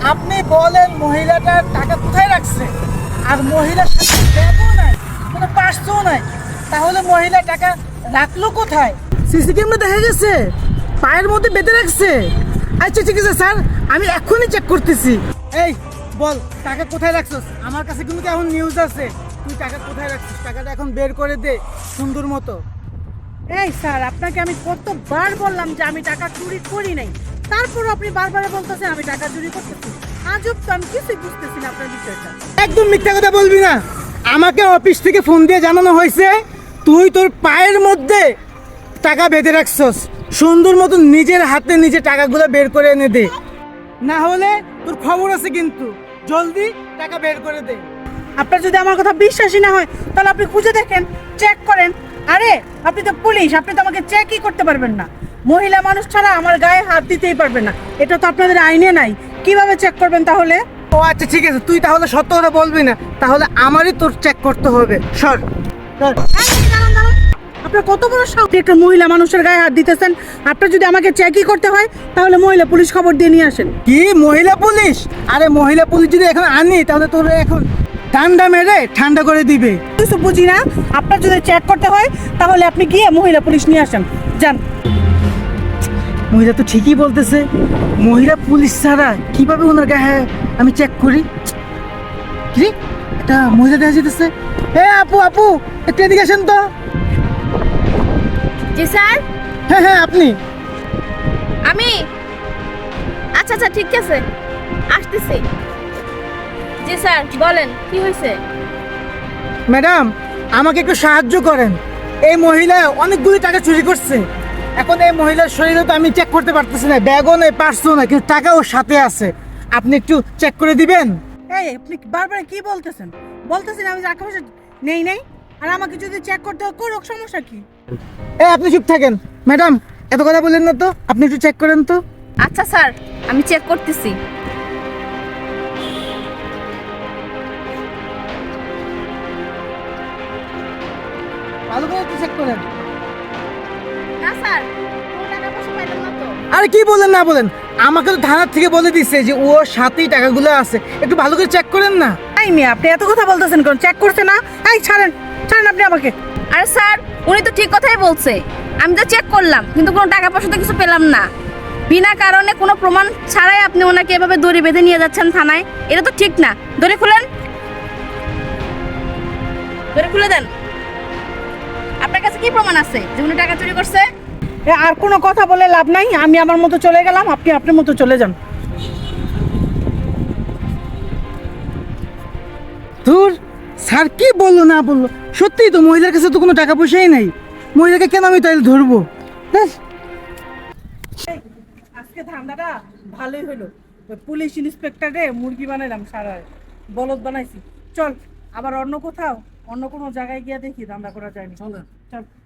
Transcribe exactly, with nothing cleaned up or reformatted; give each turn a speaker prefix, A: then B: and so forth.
A: আপনি বলেন মহিলাটার টাকা কোথায় রাখছে, আর মহিলার সাথে ব্যাগও নাই, কোনো পার্সও নাই, তাহলে মহিলা টাকা রাখলো কোথায়? সিসি ক্যামেরা দেখা গেছে পায়ের মধ্যে বেঁধে রাখছে। আচ্ছা ঠিক আছে স্যার, আমি এখনই চেক করতেছি। এই বল টাকা কোথায় রাখছস? আমার কাছে কিন্তু এখন নিউজ আছে, তুই টাকা কোথায় রাখছিস? টাকাটা এখন বের করে দে সুন্দর মতো।
B: এই স্যার, আপনাকে আমি কতবার বললাম যে আমি টাকা চুরি করি নাই, তারপরও আপনি বারবার বলতেছেন আমি টাকা চুরি করতেছি। আজব তো, আমি কিছুই বুঝতেছি না আপনার বিষয়টা।
A: একদম মিথ্যা কথা বলবি না। আমাকে অফিস থেকে ফোন দিয়ে জানানো হয়েছে তুই তোর পায়ের মধ্যে টাকা বেঁধে রাখছস। সুন্দর মতো নিজের হাতে নিজে টাকাগুলো বের করে এনে দে, না হলে তোর খবর আছে কিন্তু। জলদি টাকা বের করে দে।
B: আপনার যদি আমার কথা বিশ্বাসই না হয় তাহলে আপনি খুঁজে দেখেন, চেক করেন। আরে আপনি তো পুলিশ, আপনি তো আমাকে চেকই করতে পারবেন না। মহিলা মানুষ ছাড়া আমার গায়ে হাত দিতেই পারবেন না, এটা তো আপনাদের আইনে নাই। কিভাবে চেক করবেন তাহলে?
A: ও আচ্ছা ঠিক আছে, তুই তাহলে সত্য কথা বলবি না, তাহলে আমারই তোর চেক করতে হবে। সর সর।
B: এই, দাঁড়ান, দাঁড়ান। আপনার কত বড় সাহস, একটা মহিলা মানুষের গায়ে হাত দিতেছেন? আপনার যদি আমাকে চেকই করতে হয় তাহলে মহিলা পুলিশ খবর দিয়ে নিয়ে আসেন।
A: কি মহিলা পুলিশ? আরে মহিলা পুলিশ যদি এখন আনি তাহলে তোর এখন ঠান্ডা মেরে ঠান্ডা করে দিবে।
B: কিছু বুঝি না। আপনার যদি চেক করতে হয় তাহলে আপনি গিয়ে মহিলা পুলিশ নিয়ে আসেন, যান।
A: মহিলা তো ঠিকই বলতেছে, মহিলা পুলিশ ছাড়া কিভাবে ওনার গায়ে আমি চেক করি? কি এটা মহিলা দেখা যেতেছে। এ আপু আপু একটু এদিকে আসেন তো।
C: জি স্যার,
A: হ্যাঁ হ্যাঁ আপনি।
C: আমি আচ্ছা আচ্ছা ঠিক আছে, আসতেছি। জি স্যার বলেন, কি হয়েছে?
A: ম্যাডাম আমাকে একটু সাহায্য করেন, এই মহিলা অনেকগুলি টাকা চুরি করছে। এখন এই মহিলার শরীরে তো আমি চেক করতে পারতেছি না, ব্যাগও নেই পার্সও না, কিন্তু টাকাও সাথে আছে। আপনি একটু চেক করে দিবেন?
B: এই আপনি বারবার কি বলতেছেন? বলতেছেন আমি টাকা পয়সা নেই নেই, আর আমাকে যদি চেক করতে হয় করুক, সমস্যা কি?
A: এ আপনি চুপ থাকেন। ম্যাডাম এত কথা বললেন না তো, আপনি একটু চেক করেন তো।
C: আচ্ছা স্যার, আমি চেক করতেছি।
A: ভালো করে একটু চেক করেন।
C: না স্যার, কোনো টাকা পয়সা পাইলাম না তো।
A: আরে কি বলেন না বলেন, আমাকে তো থানার থেকে বলে দিচ্ছে যে ওর সাথেই টাকাগুলো আছে, একটু ভালো করে চেক করেন না।
B: এই মেয়ে, আপনি এত কথা বলতেছেন কোন? চেক করছে না? এই ছাড়েন, ছাড়েন আপনি আমাকে।
C: আরে স্যার, উনি তো ঠিক কথাই বলছে। আমি তো চেক করলাম কিন্তু কোনো টাকা পয়সা তো কিছু পেলাম না। বিনা কারণে কোনো প্রমাণ ছাড়াই আপনি ওনাকে এভাবে দড়ি বেঁধে নিয়ে যাচ্ছেন থানায়, এটা তো ঠিক না। দড়ি খুলেন, দড়ি খুলে দেন। আপনার কাছে কি প্রমাণ আছে যে উনি টাকা চুরি করছে?
B: এ, আর কোনো কথা বলে লাভ নাই, আমি আমার মতো চলে গেলাম, আপনি আপনার মতো চলে যান।
A: ধুর, স্যার কি বললো না বললো, সত্যিই তো মহিলার কাছে তো কোনো টাকা পয়সাই নাই। মহিলাকে কেন আমি তাইলে ধরবো? ব্যাস।
B: এই, আজকে ধান্দাটা ভালোই হলো। ওই পুলিশ ইন্সপেক্টরে মুরগি বানাইলাম, সারা বলদ বানাইছি। চল আবার অন্য কোথাও, অন্য কোনো জায়গায় গিয়ে দেখি ধান্দা করা যায়নি। চল চল।